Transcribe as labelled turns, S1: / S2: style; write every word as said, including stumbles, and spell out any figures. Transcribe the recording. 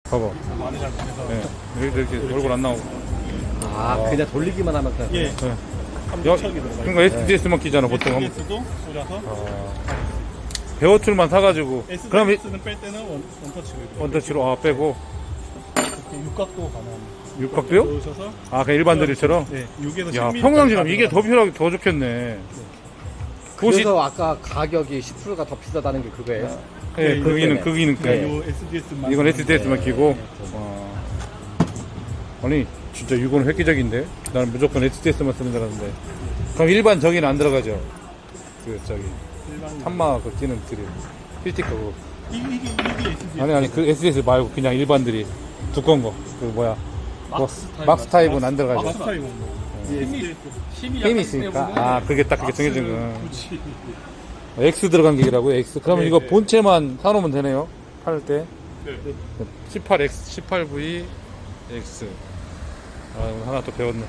S1: 봐봐.
S2: 많이 잘못해서.
S1: 네. 이렇게, 이렇게 얼굴 안 나오고.
S3: 아, 그냥 돌리기만 하면 그냥.
S2: 예.
S1: 네.
S2: 삼척이 들어가.
S1: 그러니까 에스디에스만 끼잖아, 보통.
S2: 에스디에스도 꽂아서.
S1: 아, 배어툴만 사가지고. 그럼 이-
S2: 에스디에스는 뺄 때는 원, 원터치로. 이렇게
S1: 원터치로 아, 빼고.
S2: 이렇게 육각도 가능합니다.
S1: 육각도요?
S2: 넣으셔서.
S1: 아, 그냥 일반 드릴처럼?
S2: 네. 육에서
S1: 야,
S2: 십 밀리미터
S1: 평상시라면 이게 더 필요하게 더 좋겠네. 그것이,
S3: 그래서 아까 가격이 십 퍼센트가 더 비싸다는 게 그거예요.
S1: 예,
S2: 네,
S1: 그 기능,
S3: 이거
S1: 그 기능
S2: 그러니까
S1: 때문에.
S2: 요 에스디에스만.
S1: 이건 에스디에스만
S3: 네.
S1: 끼고. 와. 아니, 진짜 이거는 획기적인데? 나는 무조건 에스디에스만 쓰는 줄 알았는데. 그럼 일반 저기는 안 들어가죠? 그, 저기,
S2: 일반.
S1: 탄마 그 기능 드릴. 필티커 그거.
S2: 이- 이게 이게 에스디에스.
S1: 아니, 아니, 그 에스디에스 말고 그냥 일반들이. 두꺼운 거. 그 뭐야.
S2: 막스
S1: 뭐,
S2: 타입.
S1: 막스 타입은 안 들어가죠.
S2: 막스 타입은 뭐. 이 에스디에스.
S1: 힘이 있으니까. 아, 그게 딱 그게 정해진 거.
S2: 굳이.
S1: X 들어간 기기라고요, X. 그러면
S2: 네,
S1: 이거
S2: 네.
S1: 본체만 사놓으면 되네요. 팔 때.
S2: 네.
S1: 십팔 엑스, 십팔 브이 X. 아, 오늘 하나 또 배웠네.